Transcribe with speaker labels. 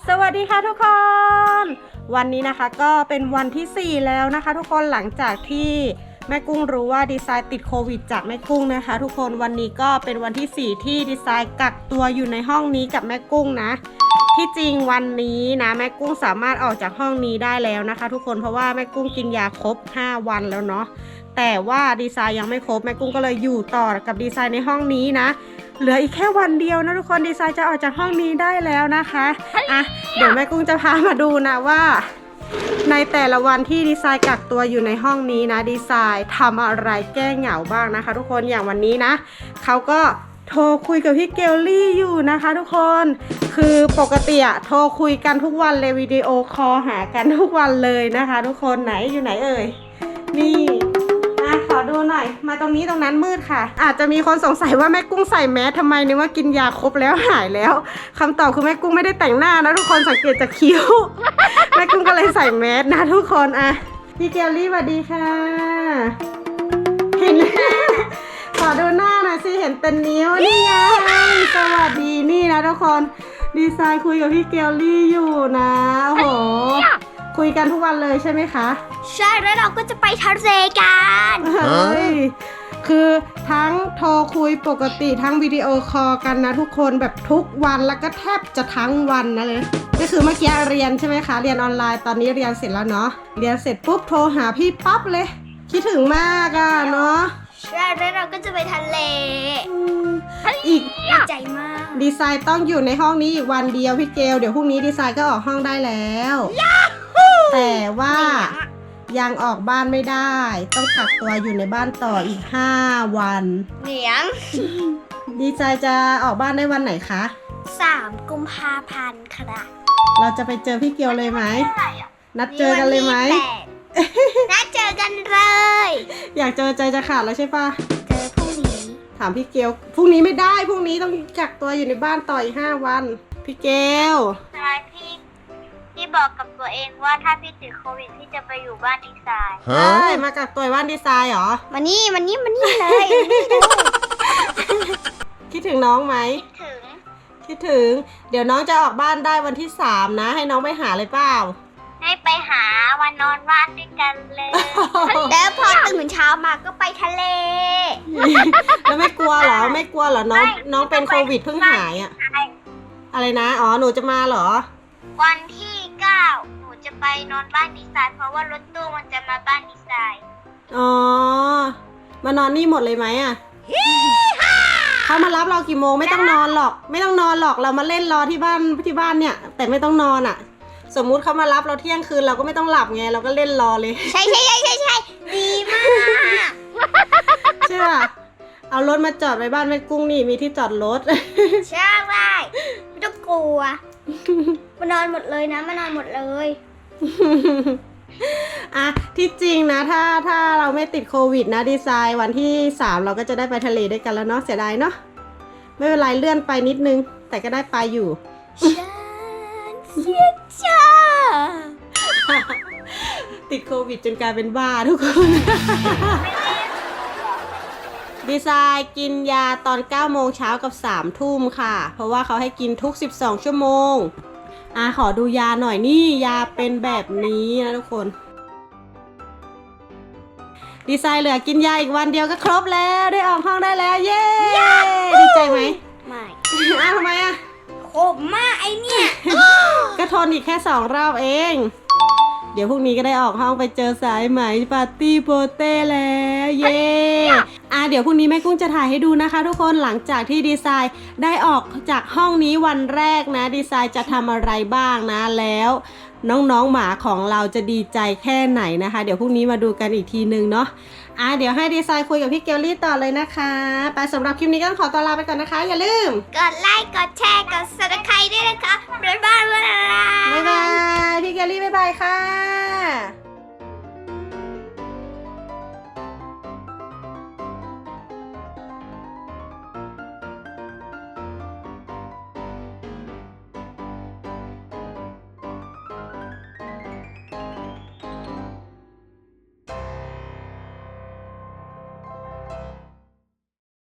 Speaker 1: สวัสดีค่ะทุกคนวันนี้นะคะก็เป็นวันที่4แล้วนะคะทุกคนหลังจากที่แม่กุ้งรู้ว่าดีไซน์ติดโควิดจากแม่กุ้งนะคะทุกคนวันนี้ก็เป็นวันที่4ที่ดีไซน์กักตัวอยู่ในห้องนี้กับแม่กุ้งนะที่จริงวันนี้นะแม่กุ้งสามารถออกจากห้องนี้ได้แล้วนะคะทุกคนเพราะว่าแม่กุ้งกินยาครบ5วันแล้วเนาะแต่ว่าดีไซน์ยังไม่ครบแม่กุ้งก็เลยอยู่ต่อกับดีไซน์ในห้องนี้นะเหลืออีกแค่วันเดียวนะทุกคนดีไซน์จะออกจากห้องนี้ได้แล้วนะคะอ่ะเดี๋ยวแม่กุ้งจะพามาดูนะว่าในแต่ละวันที่ดีไซน์กักตัวอยู่ในห้องนี้นะดีไซน์ทำอะไรแก้เหงาบ้างนะคะทุกคนอย่างวันนี้นะเขาก็โทรคุยกับพี่เกลลี่อยู่นะคะทุกคนคือปกติอะโทรคุยกันทุกวันเลยวิดีโอคอลหากันทุกวันเลยนะคะทุกคนไหนอยู่ไหนเอ่ยนี่ขอดูหน่อยมาตรงนี้ตรงนั้นมืดค่ะอาจจะมีคนสงสัยว่าแม่กุ้งใส่แมสทำไมนึกว่ากินยาครบแล้วหายแล้วคำตอบคือแม่กุ้งไม่ได้แต่งหน้านะทุกคนสังเกตจากคิ้ว แม่กุ้งก็เลยใส่แมสนะทุกคนอ่ะพี่เกลลี่สวัสดีค่ะเห็น ขอดูหน้าหน่อยสิเห็นเป็นนิ้วนี่ไงสวัสดีนี่นะทุกคนดีไซน์คุยกับพี่เกลลี่อยู่นะโอ้โหคุยกันทุกวันเลยใช่ไหมคะ
Speaker 2: ใช่แล้วเราก็จะไปทะเลกัน
Speaker 1: เฮ้ยคือทั้งโทรคุยปกติทั้งวิดีโอคอลกันนะทุกคนแบบทุกวันแล้วก็แทบจะทั้งวันนะเลยก็คือเมื่อกี้เรียนใช่ไหมคะเรียนออนไลน์ตอนนี้เรียนเสร็จแล้วเนาะเรียนเสร็จปุ๊บโทรหาพี่ปั๊บเลยคิดถึงมากอะเนาะ
Speaker 2: ใช่แล้วเราก็จะไปทะเล
Speaker 1: อีก
Speaker 2: ดีใจมาก
Speaker 1: ดีไซน์ต้องอยู่ในห้องนี้อีกวันเดียวพี่เกลเดี๋ยวพรุ่งนี้ดีไซน์ก็ออกห้องได้แล้วแต่ว่ายังออกบ้านไม่ได้ต้องกักตัวอยู่ในบ้านต่ออีก5วัน
Speaker 2: เหนียง
Speaker 1: ดีไซน์จะออกบ้านได้วันไหนคะ
Speaker 2: 3 กุมภาพันธ์ค่ะ
Speaker 1: เราจะไปเจอพี่เกลเลยไหมนัดเจอกันเลยไหม
Speaker 2: นัดเจอกันเลย
Speaker 1: อยากเจอใจจะขาดแล้วใช่ปะ
Speaker 2: เจอพรุ่งนี้
Speaker 1: ถามพี่เกลพรุ่งนี้ไม่ได้พรุ่งนี้ต้องกักตัวอยู่ในบ้านต่ออีก5วันพี่เกล
Speaker 2: ใช่พี่บอกกับตัวเองว่าถ้าพี่ติดโควิดพี่จะไปอยู่บ้านดีไซน์
Speaker 1: มากักตัวบ้านดีไซน์เหรอ
Speaker 2: มานี่เลย
Speaker 1: คิดถึงน้องไหมคิดถึงเดี๋ยวน้องจะออกบ้านได้วันที่3นะให้น้องไปหาเลยเปล่า
Speaker 2: ให้ไปหาวันนอนบ้านด้วยกันเลยแล้วพอตื่นเช้ามาก็ไปทะเล
Speaker 1: แล้วไม่กลัวเหรอน้องเป็นโควิดเพิ่งหายอะอะไรนะอ๋อหนูจะมาเหรอ
Speaker 2: วันที่9หนูจะไปนอนบ้านดีไซน์เพราะว่ารถตู้มันจะมาบ้านดีไซน์
Speaker 1: อ๋อมานอนนี่หมดเลยไหมอะเขามารับเรากี่โมงไม่ต้องนอนหรอกเรามาเล่นรอที่บ้านเนี่ยแต่ไม่ต้องนอนอะสมมุติเขามารับเราเที่ยงคืนเราก็ไม่ต้องหลับไงเราก็เล่นรอเลย
Speaker 2: ใช่ดีมาก
Speaker 1: ใช่ป่ะเอารถมาจอดไว้บ้านแม่กุ้งนี่มีที่จอดรถ
Speaker 2: ใช่ไม่ต้องกลัวมานอนหมดเลยนะมานอนหมดเลย
Speaker 1: อ่ะที่จริงนะถ้าเราไม่ติดโควิดนะดีไซน์วันที่3เราก็จะได้ไปทะเลด้วยกันแล้วเนาะเสียดายเนาะไม่เป็นไรเลื่อนไปนิดนึงแต่ก็ได้ไปอยู่
Speaker 2: เสียใจ
Speaker 1: ติดโควิดจนกลายเป็นบ้าทุกคน ดีไซน์กินยาตอน9 โมงเช้ากับ3 ทุ่มค่ะเพราะว่าเขาให้กินทุก12 ชั่วโมงขอดูยาหน่อยนี่ยาเป็นแบบนี้นะทุกคนดีไซน์เหลือกินยาอีกวันเดียวก็ครบแล้วได้ออกห้องได้แล้วเย้ดีใจไหม
Speaker 2: ไม่
Speaker 1: ทำไมอะ
Speaker 2: ขมมากไอเนี่ย
Speaker 1: ก็ทนอีกแค่2 รอบเองเดี๋ยวพรุ่งนี้ก็ได้ออกห้องไปเจอสายไหมปาร์ตี้โปเต้แล้วเย้เดี๋ยวพรุ่งนี้แม่กุ้งจะถ่ายให้ดูนะคะทุกคนหลังจากที่ดีไซน์ได้ออกจากห้องนี้วันแรกนะดีไซน์จะทำอะไรบ้างนะแล้วน้องๆหมาของเราจะดีใจแค่ไหนนะคะเดี๋ยวพรุ่งนี้มาดูกันอีกทีนึงเนาะเดี๋ยวให้ดีไซน์คุยกับพี่เกลลี่ต่อเลยนะคะไปสำหรับคลิปนี้ก็ขอตัวลาไปก่อนนะคะอย่าลืม
Speaker 2: กดไลค์กดแชร์กด Subscribe ด้วยนะคะบ๊ายบาย
Speaker 1: พี่เกลลี่บ๊ายบายค่ะ